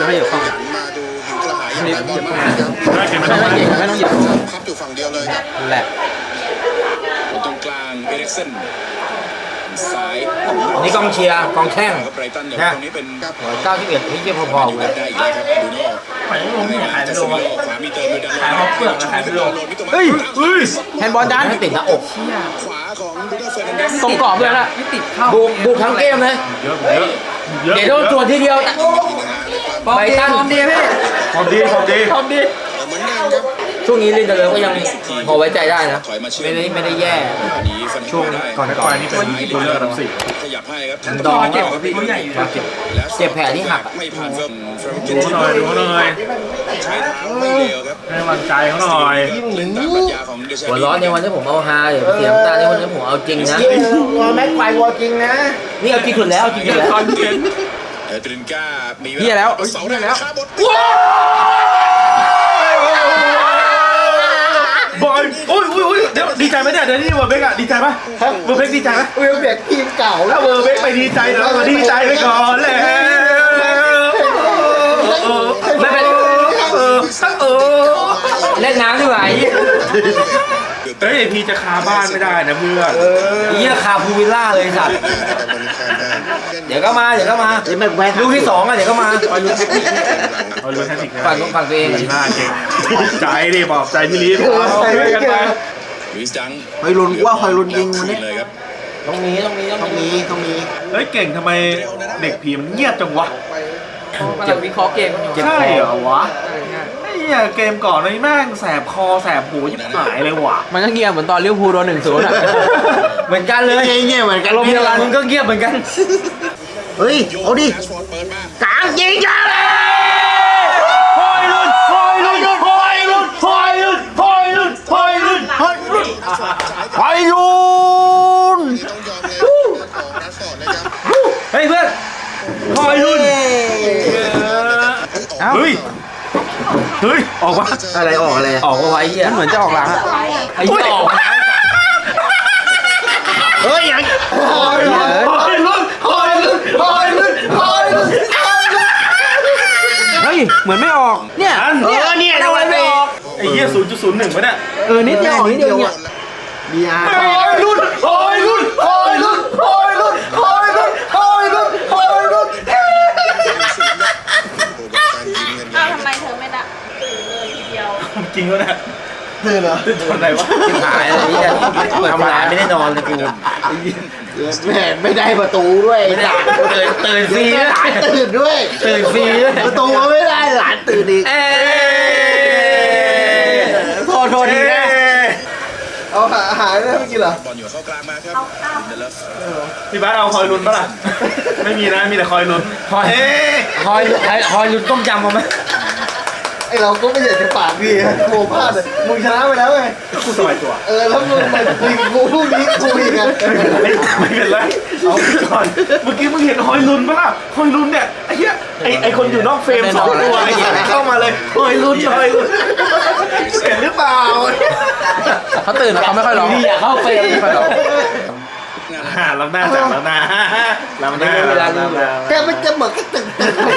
จะให้เหยียบเข้ามาดูหิวกระหายอย่างไรบอลมากไม่ต้องเหยียบพับอยู่ฝั่งเดียวเลยครับแหละตรงกลางเอริกเซนซ้ายนี่กองเชียร์กองแข้งไบรตันเนี่ยตรงนี้เป็น 91ที่เยี่ยมพอๆเลยได้อีกแล้วครับดูโน่ขายลงขายไปโลขวามีเติมด้วยด้านขายเขาเปลือกขายไปโลเฮ้ยแฮนด์บอลดันไม่ติดหน้าอกขวาของบูโน่เฟอร์นันเดสตรงกรอบเลยนะไม่ติดเข้าบุกทั้งเกมเลยเยอะเยอะเดี๋ยวโดนตรวจทีเดียวไบตันดีพี่ความดีเหมือนเดิมครับช่วงนี้ลินเดอร์เลก็ยังพอไว้ใจได้นะถอยมาเชื่อไม่ได้แย่ช่วงก่อนนี่เป็นตัวเลือกอันดับ4 ขยับให้ครับดองเจ็บกับพี่เขาใหญ่อยู่นะเจ็บแผลที่หักไม่ผ่านเฟิร์มดูเขาหน่อยดูเขาหน่อยใช้เท้าไม่เร็วครับให้กำลังใจเขาหน่อยเล่นตามปรัชญาของเดชาหัวร้อนในวันที่ผมเอาฮาอย่าไปเสียน้ำตาในวันที่ผมเอาจริงนะแม็กไฟวอลจริงนะนี่เอาจริงสุดแล้วจริงสุดแล้วเอตรินก้ามีเฮียแล้วเสาได้แล้วครับบอยโอ้ยเดี๋ยวดีใจไหมเนี่ยเดี๋ยวนี่เวอร์เบกอะดีใจปะเวอร์เบกดีใจไหมเวลเบกทีมเก่าถ้าเวอร์เบกไปดีใจเดี๋ยวเราดีใจไปก่อนแล้วไม่เป็นเล่นน้ำดีกว่าไอ้เฮ้ยพีจะคาบ้านไม่ได้นะเพื่อนเหี้ยคาพูวิลล่าเลยสัตว์เดี๋ยวก็มาลูกที่2อ่ะเดี๋ยวก็มาเอาลุ้นแท็กติกนะฝั่งตัวเองหน้าเก่งใจดิบอกใจพี่ลีฟใจกันไปลุยส์ดังฮอยลุนว่าฮอยลุนยิงมันนี่เลยครับต้องมีต้องมีเฮ้ยเก่งทำไมเด็กผีมันเงียบจังวะกำลังวิเคราะห์เกมกันอยู่ใช่เหรอวะไอ้เหี้ยเกมก่อนนี่แม่งแสบคอแสบหูยิ่งหายเลยว่ะมันก็เงียบเหมือนตอนลิเวอร์พูลโดน1-0 อ่ะเหมือนกันเลยเงี้ยเหมือนกันลมเดียวกันมึงก็เงียบเหมือนกันเฮ้ยเอาดิแรชฟอร์ดเปิดมากลางยิงจ้าเลยหอยลุนหอยลุนหอยลุนหอยลุนหอยลุนหอยลุนหอยลุนฮอยลุนต้องยอมเลยของแรชฟอร์ดนะครับเฮ้ยเพื่อนหอยลุนเฮ้ยเฮ้ยออกวะอะไรออกอะไรออกมาไว้เหี้ยมันเหมือนจะออกหลังอ่ะไอ้เหี้ยออกมาเฮ้ยยังหอยลุนหอยลุนหอยลุนหอยลุนหอยลุนเฮ้ยเหมือนไม่ออกเนี่ยเนี่ยทำไมไม่ออกไอ้เหี้ย0.01วะเนี่ยนิดไม่ออกนิดเดียวเนี่ยบีอาร์หอยลุนหอยลุนหอยลุนหอยลุนหอยลุนหอยลุนหอยลุนอ้าวทำไมเธอไม่ได้ตื่นเลยทีเดียวจริงวะเนี่ยตื่นเหรอตื่นตอนไหนวะชิบหายอะไรเนี่ยทำงานไม่ได้นอนเลยกูแม่ไม่ได้ประตูด้วยไม่ได้ตื่นฟรีด้วยหลานตื่นด้วยตื่นฟรีด้วยประตูไม่ได้หลานตื่นอีกโทษดีนะเอาหายได้ไม่กินเหรอบอลอยู่เข้ากลางมาครับลินเดเลฟพี่บ้านเอาคอยลุ้นปะล่ะ ไม่มีนะ มีแต่คอยลุ้นคอยลุ้นต้มยำมาไหมไอเราก็ไม่อยากจะปากดีโมพลาดเลยมึงชนะไปแล้วไงกูสบายตัวแล้วมึงมายิงกูลูกนี้กูอีกอ่ะไม่เป็นไร เอาไปก่อน เมื่อกี้มึงเห็นคอยลุ้นปะล่ะคอยลุ้นเนี่ย ไอ้เหี้ย ไอ้คนอยู่นอกเฟรม2 ตัวไอ้เหี้ยเข้ามาเลยคอยลุ้นคอยลุ้นเห็นหรือเปล่าเขาตื่นแล้วเขาไม่ค่อยร้องนี่อยากเข้าเฟรมไม่ค่อยร้องล้ำหน้าจากล้ำหน้าล้ำหน้าล้ำหน้าแกมันจะเหมือนก็ตึง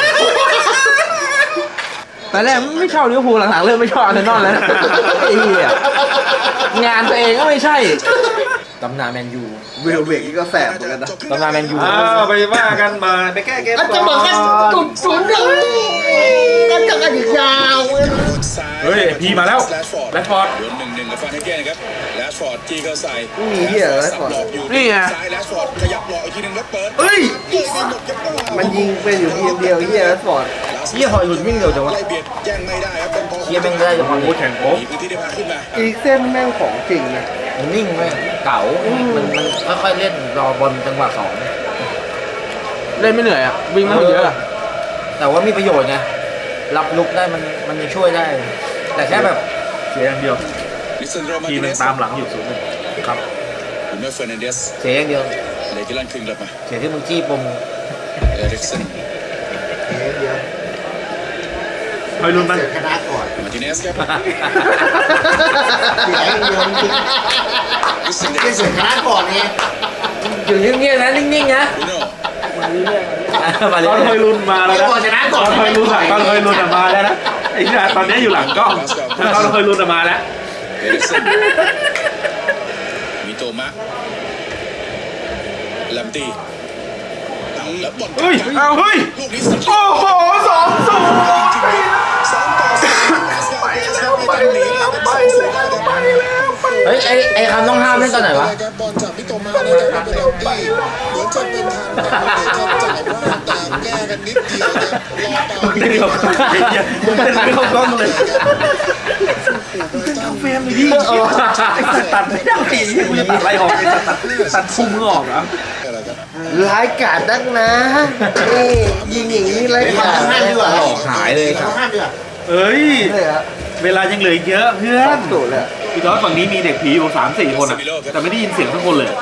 ตอนแรกไม่ชอบลิเวอร์พูลหลังๆเริ่มไม่ชอบอาร์เซนอลแล้วนะไอ้เหี้ยงานตัวเองก็ไม่ใช่ตำนานแมนยูเวลเบกนี่ก็แสบเหมือนกันนะตำนานแมนยูไปว่ากันมาไปแก้เกมอาจจะเหมือนกันจุดศูนย์หนึ่งกันจะกันอีกยาวเฮ้ยพีมาแล้วแรดฟอร์ดโดน1-1กับฟานเฮเกนนะครับแรชฟอร์ดจี้เข้าใส่มีเหี้ยอะไรก่อนหลอกอยู่นี่ไงซ้ายแรชฟอร์ดขยับหลอกอีกทีหนึงแล้วเปิดเฮ้ยยิงไม่หมดครับมันยิงเป็นอยู่ทีมเดียวเฮียแรดฟอร์ดเหี้ยคอยลุ้นวิ่งเร็วจังวะไล่เบียดแย่งไม่ได้ครับเป็นพอเหี้ยแม่งได้จังวะโอ้แข่งโป๊ะมีพื้นที่ได้พาขึ้นมาอีกเส้นแม่งของจริงนะมันนิ่งเว้ยเก๋ามันค่อยๆเล่นรอบอลจังหวะ2 เล่นไม่เหนื่อยอ่ะวิ่งไม่เยอะอะแต่ว่ามีประโยชน์ไงรับลุกได้มันจะช่วยได้ แต่แค่แบบเสียอย่างเดียวลิซันโดมาทีติมเนมันสตามหลังอยู่0-1ครับบูโน่เฟอร์นันเดสเสียอย่างเดียวเลกิลันคืนกลับมาเสียที่มึงจี้ปมเอริกเซนเดียวคอยลุ้นมันเสียชนะก่อนมาติเนสครับเสียอย่างเดียวจริงลิซันเดๆสเสียชนะก่อนไงอยู่เงียบๆนะนิ่งๆนะบูโน่มาเลตอนฮอยยลุนมาแล้วนะก่อนชนะก่ตออน นฮอยลุนตอนฮอยลุนมาแล้วนะไอ้เนี่ยตอนนี้อยู่หลังกล้องตอนฮอยลุนมาแล้วเอริกเซนมิโตมะแลมตี้แล้วบอลเฮ้ยเอาเฮ้ยลูกนี้สโอ้โห2-0 ไปแล้วไปแล้วไปแล้วเฮ้ยไอ้คำต้องห้ามเล่นตอนไหนวะบอลจากมิโตมานะครับเป็นเราดีเหมือนจะเป็นทางจ่ายพลาดแต่แก้กันนิดเดียวครับรอเปล่าเดี๋ยวมึงเป็นไม่เข้ากล้องเลยเข้าเฟรมเลยพี่ไอ้สัตว์ตัดไม่ได้กูจะตัดอะไรออกไอ้สัตว์ตัดพุ่งมึงออกเหรออะไรครับร้ายกาจนักนะนี่ยิงอย่างนี้ร้ายกาจหลอกหายเลยครับเอ้ยเลยฮะเวลายังเหลืออีกเยอะเพื่อนสูเลยพี่จอร์จฝั่งนี้มีเด็กผีอยู่3-4 คนอะแต่ไม่ได้ยินเสียงสักคนเลย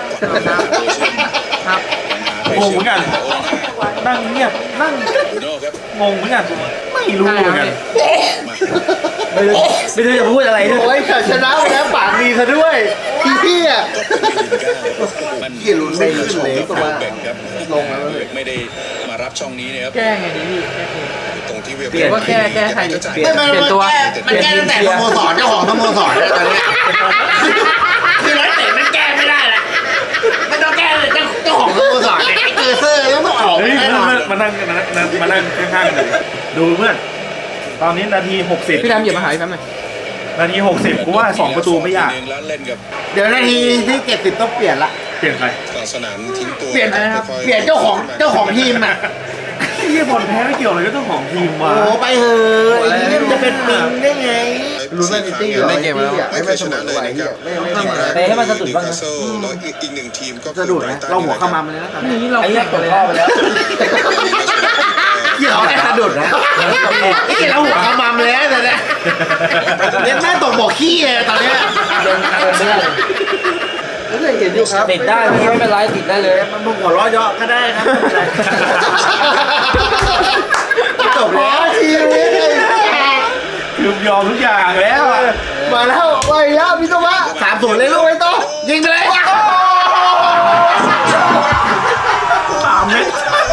งงเหมือนกันนั่งเงียบนั่งบูโน่ครับงงเหมือนกันไม่รู้เหมือนกันไม่รู้จะพูดอะไรด้วยโอ้ยแต่ชนะไปแล้วปากดีซะด้วยพี่อ่ะมันเกี่ยลุ้นไม่ขึ้นเลยตัวเบกครับลงแล้วเบกไม่ได้มารับช่องนี้นะครับแก้ไงดีพี่ตรงที่เวียเปลี่ยนว่าแก้ใครดีเปลี่ยนเปลี่ยนตัวมันแก้ตั้งแต่สโมสรเจ้าของสโมสรแล้วตอนนี้คือนักเตะมันแก้ไม่ได้ละไม่ต้องแก้เลยเจ้าของสโมสรเนี่ยเกอร์เซอร์แล้วต้องออกเฮ้ยแน่นอนมานั่งข้างๆกันดูเพื่อนตอนนี้นาที60 พี่ดำเหยียบมาหาพี่แป๊บหน่อยนาที60กูว่า2 ประตูไม่ยากแล้วเล่นกับเดี๋ยวนาทีที่70ต้องเปลี่ยนละเปลี่ยนใครต่อสนามทิ้งตัวเปลี่ยนเจ้าของทีมอ่ะเฮียบอลแพ้ไม่เกี่ยวอะไรก็ต้องของทีมโอ้ว่ะไปเถอะไอ้นี่มันจะเป็นปิงได้ไงรู้ไหมซิตี้เหรอไม่เคยชนะเลยนะครับไปให้มันสะดุดบ้างนะแล้วอีกหนึ่งทีมก็สะดุดนะเราหัวเข้ามาเลยนะนี่เราไอ้แก้เหี้ยกกดดเลยพ่อนะไปแล้วเกี่ยวแค่สะดุดนะไอ้เกี่ยวเราหัวเข้ามาแล้วแต่เนี่ยเล่นแม่ตกบ่อขี้เลยตอนเนี้ยก็เลยเห็นอยู่ครับติดได้พี่ไม่เป็นไรติดได้เลยมันหัวล้อเยาะก็ได้ครับจบแล้วชีวิตคือยอมทุกอย่างแล้วอะมาแล้วไปแล้วพี่ตัวะ3-0เลยลูกไอ้โต้ยิงไปเลย 3 เมตร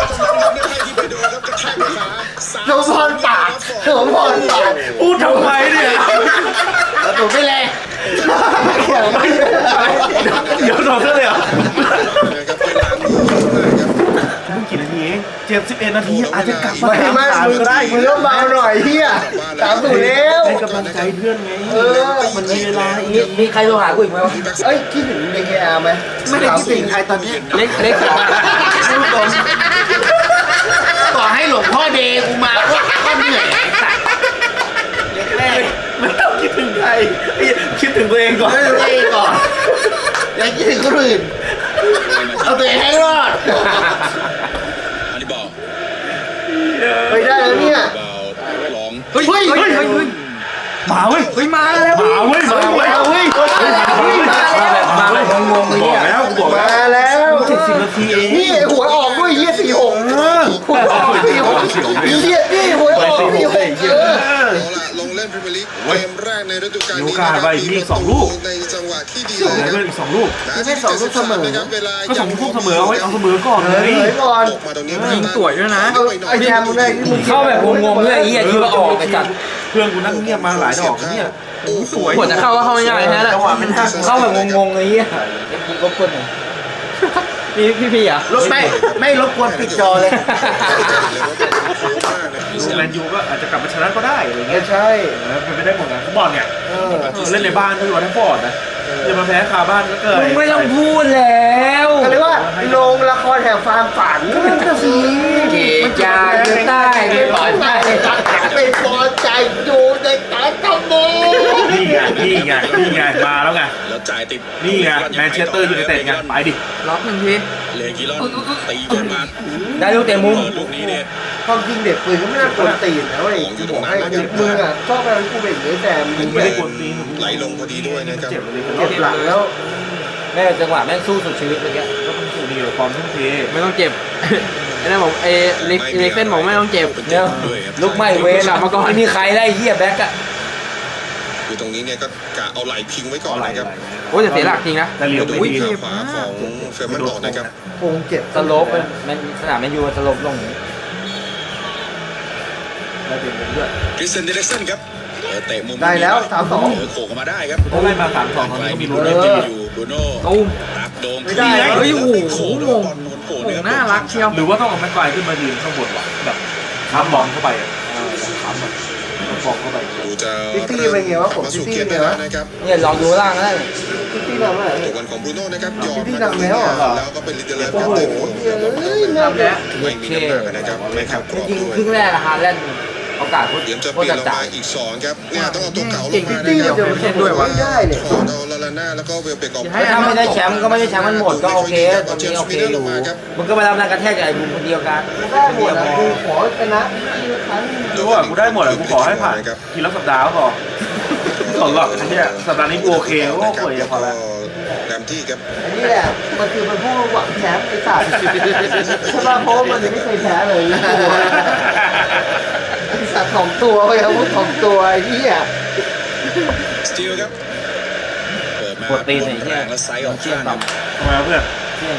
โดนพรปากโดนพรปากพูดทำไมเนี่ยแล้วผมไม่เลยเขียวไม่เลยเดี๋ยวโดนซะเลยเหรอนะครับเวลานี้นะครับเพิ่งกี่นาทีเอง11 นาทีอาจจะกลับมาไม่ 3-3ก็ได้มึงต้องเบาหน่อยเฮีย3-0แล้วให้กำลังใจเพื่อนไงมันมีเวลาอีกมีใครโทรหากูอีกไหมวะเอ้ยคิดถึงเดคอาร์ไหมไม่ได้คิดถึงใครตอนนี้เล็กสุดพูดตรงต่อให้หลวงพ่อเดย์กูมาก็เหนื่อยแรกไม่ต้องคิดถึงใครคิดถึงตัวเองก่อนไม่ตัวเองก่อนอย่าคิดถึงคนอื่นเอาตัวเองให้รอดอันนี้บอลไปได้แล้วเนี่ยบอลร้องเฮ้ยเฮ้ยมาเว้ยเฮ้ยมาแล้วมาเว้ยมาเว้ยเอาเว้ยมาแบบงงๆเลยบอกเนี่ยแล้วกูบอกมาแล้วแล้ว 70 นาทีเองนี่หัวออกด้วยเฮีย46หัวออก46เฮียนี่หัวออก46 เอาละลงเล่นพรีเมียร์ลีกเกมแรกในฤดูกาลนี้ในจังหวะที่ดีส่งให้เพื่อนอีก2 ลูกไม่2ลูกเสมอนะครับเวลาก็2 ลูกเสมอเอาไว้เอาเสมอก่อนเลยเลยก่อนออกมาตรงนี้ยิงสวยด้วยนะไอ้แจมมึงได้ที่มึงเข้าแบบงงๆเลยไอ้เหี้ยคิดว่าออกไปจัดเพื่อนกูนั่งเงียบมาหลายดอกเนี่ยสวยกดจะเข้าก็เข้าไม่ง่ายแค่นั้นจังหวะไม่ทันเข้าแบบงงๆเลยไอ้เหี้ยกูก็คนหนึ่งพี่อ่ะรถไม่รบกวนปิดจอเลยแมนยูก็อาจจะกลับมาชนะก็ได้อะไรเงี้ยใช่เป็นไปได้หมดนะฟุตบอลเนี่ยเล่นในบ้านด้วยวอเตอร์ฟอร์ดนะจะมาแพ้คาบ้านก็เกิดมึงไม่ต้องพูดแล้วเขาเรียกว่าโรงละครแห่งความฝันก็สิเกียจาอยู่ใต้ไม่ปลอดภัยเป็นพอใจอยู่ในตาตะโมนี่ไงมาแล้วไงแล้วจ่ายติดนี่ไงแมนเชสเตอร์ยูไนเต็ดไงไปดิล็อกหนึ่งทีเลกิลอนตีบอลมาได้ลูกเตะมุมลูกนี้เนี่ยความจริงเด็กปืนก็ไม่น่ากวนตีนนะเว้ยกูบอกให้เด็กมืออ่ะชอบอะไรกูเป็นอย่างนี้แต่มึงไม่ได้กวนตีนไหลลงพอดีด้วยนะครับเจ็บเลยเจ็บหลังแล้วแม่จังหวะแม่งสู้สุดชีวิตเมื่อกี้ก็เป็นสูตรดีกับความทุ่มเทไม่ต้องเจ็บไอ้นั่นบอกไอ้เล็กเส้นบอกไม่ต้องเจ็บเนี่ยลุกไม่เว้นกลับมาก่อนไม่มีใครได้เหี้ยแบ็กอะคือตรงนี้เนี่ยก็กะเอาไหลพิงไว้ก่อนนะครับโอ้ยแต่เสียหลักจริงนะแต่เหลียวไม่อุ้ยดีทางขวาของเฟรมันออกนะครับโคงเจ็บสโลปมันสนามแมนยูสโลปลงอย่างนี้แล้วเปลี่ยนเป็นเลือดคริสเตนเดเรกสันครับเตะมุมได้แล้ว3-2 โขกมาได้ครับเขาไล่มา3-2ตอนนี้ก็มีลุ้นเล่นอยู่บรูโน่ตุ้มตักโดมไม่ได้เฮ้ยโอ้โหโขกงงบอลโขกโอ้น่ารักเชียวหรือว่าต้องเอาแม็กไกวร์ขึ้นมายืนข้างบนวะแบบค้ำบอลเข้าไปอ่ะค้ำแบบบอลเข้าไปดูจะซิตี้เป็นไงวะผมมาสู่ซิตี้เกมเป็นได้ไงแล้ววะนะครับเนี่ยลองดูล่างก็ได้ซิตี้ทำอะไรตัวกันของบรูโน่นะครับยอมซิตี้ทำแล้วเหรอแล้วก็เป็นลิเดเลฟโอ้ครับโหเต็มเฮ้ยเริ่มแล้วไม่มีน้ำหนักนะครับไม่เข้ากรอบจริงด้วยครึ่งแรกฮาแลนด์โอกาสโคตเตรียมจะรเปลี่ยนลงจ่ามาย อีก2ครับเนี่ยต้องเอาตัวเก่าลเก่งงซิมาตี้นะคเดี๋รัยวบเล่นด้วยวะไม่ได้เนี่ยขอเอาลาลาน่าแล้วก็เวลเบกออกถ้าไม่ได้แชมป์ก็ไม่ได้แชมป์มันหมดก็โอเคตรงนี้โอเคอยู่มึงก็มารับแรงกระแทกจากไอ้บุมคนเดียวกันได้หมดนะกูขอชนะครั้งรู้ว่ากูได้หมดอะกูขอให้ผ่านทีละสัปดาห์ก็พอขอหรอกไอ้เนี่ยสัปดาห์นี้กูโอเคโอ้โหพอแล้วแรมที่ครับอันนี้แหละมันคือมันผู้หวังแชมป์ไอ้สัตว์ใช่ป่ะเพราะมันยังไม่เคยแพ้เลยไอ้สัตว์ของตัวไปครับของตัวไอ้เหี้ยสตีลครับเปิดมาปวดตีนไอ้เหี้ยแรงและไซส์ออกข้างครับทำไมวะเพื่อนเที่ยง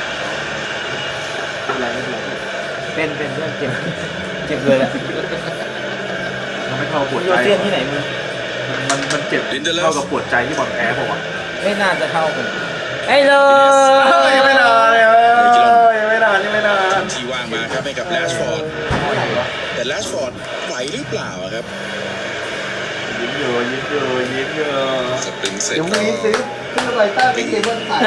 เป็นเพื่อนเจ็บเลยแหละมันไม่เท่าปวดโยใจเซียนที่ไหนมึงมันเจ็บเท่ากับปวดใจที่บอลแพ้ผมอ่ะไม่น่าจะเท่ากันไอ้เลยยังไม่นานเลยยังไม่นานที่ว่างมาครับให้กับแลชฟอร์ดแต่แลชฟอร์ดไหวหรือเปล่าอะครับยิ้มเยอะสปริงเสร็จเดี๋ยวก็มึงซื้อขึ้นอะไรต้าไปเกมบอลขาย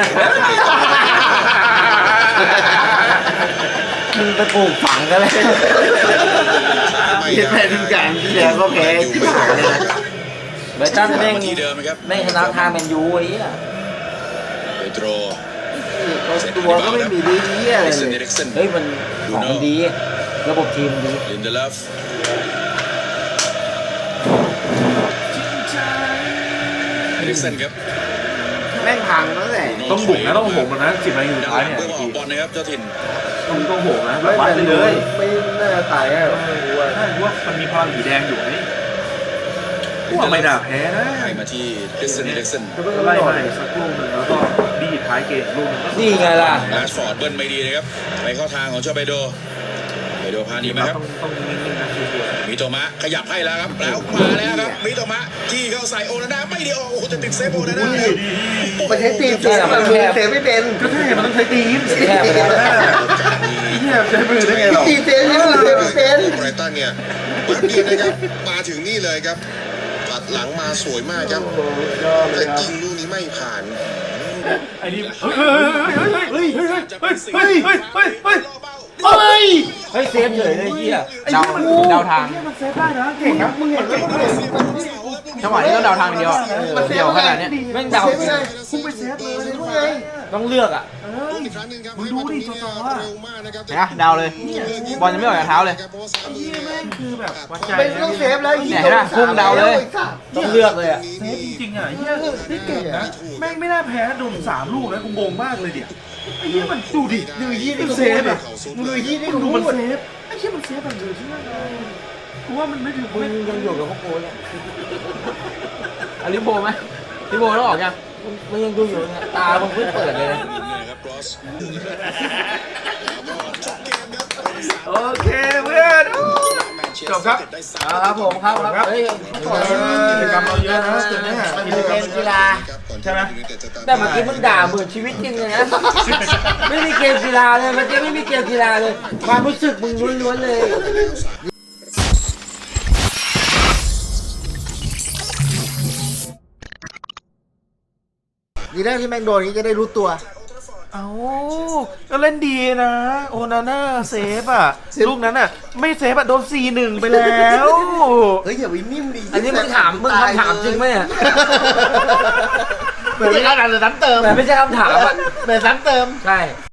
มึงไปปลูกฝังกันเลยไม่ได้แพ้ทีมการที่แล้วก็แพ้อยู่ไม่ได้นะครับเบอร์ตันแม่งมาที่เดิมนะครับแม่งชนะทางแมนยูไอ้เหี้ยเปโตรตัวก็ไม่มีดีเหี้ยคเลริสเตนเดยเรกสันเฮ้ยมันของมันดี ระบบทีมดีลินเดเลฟเอริกสันครับแม่งพังตั้งแต่ต้องบุกนะต้องโหมนะ10 นาทีสุดท้ายเนี่ยเพื่อออกบอลนะครับเจ้าถิ่นต้องโหมนะแบบวัดไปเลยไม่น่าจะตายอ่ะถ้าว่ามันมีพลังสีแดงอยู่นี่กูว่าไม่น่าแพ้นะให้มาที่คริสเตนเดเรกสันไล่มาสักลูกหนึ่งแล้วก็ดีดท้ายเกมลูกนึงนี่ไงล่ะแลชฟอร์ดเบิ้ลไม่ดีนะครับไปเข้าทางของเจ้าเปโดพานีไหมครับต้องนิ่งๆนะคือมิโตมะขยับให้แล้วครับแล้วมาแล้วครับมิโตมะจี้เข้าใส่โอนาน่าไม่ดีโอ้โหจะติดเซฟโอนาน่าแล้วมันใช้ตีนเสียมันเสียไม่เป็นก็ใช่มันต้องใช้ตีนแค่ไปแล้วเนี่ยใช้มือได้ไงหรอตีนเสียนี่มันเสียไม่เป็นไบรตันเนี่ยแบบนี้นะครับมาถึงนี่เลยครับตัดหลังมาสวยมากครับแต่ยิงลูกนี้ไม่ผ่านไอ้นี่เฮ้ยเฮ้ยเซฟเฉยเลยเฮียเดาทางมันเซฟได้นะเก่งนะมึงเห็นไหมจังหวะนี้ต้องเดาทางเดียวอะเดียวขนาดเนี้ยแม่งเดาพุ่งไปเซฟเลยต้องเลือกอ่ะอีกครั้งหนึงครับมึงดูดิจอๆว่าเร็วมากนะครับเห็นปะเดาเลย บอลยังไม่ออกจากเท้าเลยนี่แม่งคือแบบวัดใจเป็นต้องเซฟแล้วเนี่ยเห็นปะพุ่งเดาเลยต้องเลือกเลยอ่ะเซฟจริงๆอ่ะเฮียนี่เก่งนะแม่งไม่น่าแพ้โดน3 ลูกนะกูงงมากเลยเดี๋ยวไอ้เฮียมันดูดิดูยี่นี่เซฟอ่ะดูยี่นี่ดูดูมัมัน นเซฟไอ้เฮียมันเซฟแบบเดือดใช่ไหมกูว่ามันไม่ถึงมึงยังอยู่กับพวกกูเนี่ยเอาลิโบไหมลิโบต้องออกยังมึงยังดูอยู่เนี่ยตามึงเพิ่งเปิดเลยนะนะครับครอสโอเคเพื่อน จบครับครับผมครับเฮ้ยกิจกรรมเราเยอะนะจุดนี้มันเป็นเกมกีฬาใช่ไหมแต่เมื่อกี้มึงด่าเหมือนชีวิตจริงเลยนะ ไม่มีเกมกีฬาเลยเมื่อกี้ไม่มีเกมกีฬาเลย ความรู้สึกมึงล้วนๆเลย ดีแรกที่แม่งโดนนี้จะได้รู้ตัวเอาก็เล่นดีนะ โอนาน่าเซฟอ่ะ ลูกนั้นอ่ะ ไม่เซฟอ่ะ โดน 4-1 ไปแล้วเฮ้ยอย่าไปนิ่มดิอันนี้มึงถามมึงคำถามจริงไหมเนี่ยเหมือนไม่ใช่การซ้ำเติมแต่ไม่ใช่คำถามอ่ะเหมือนซ้ำเติมใช่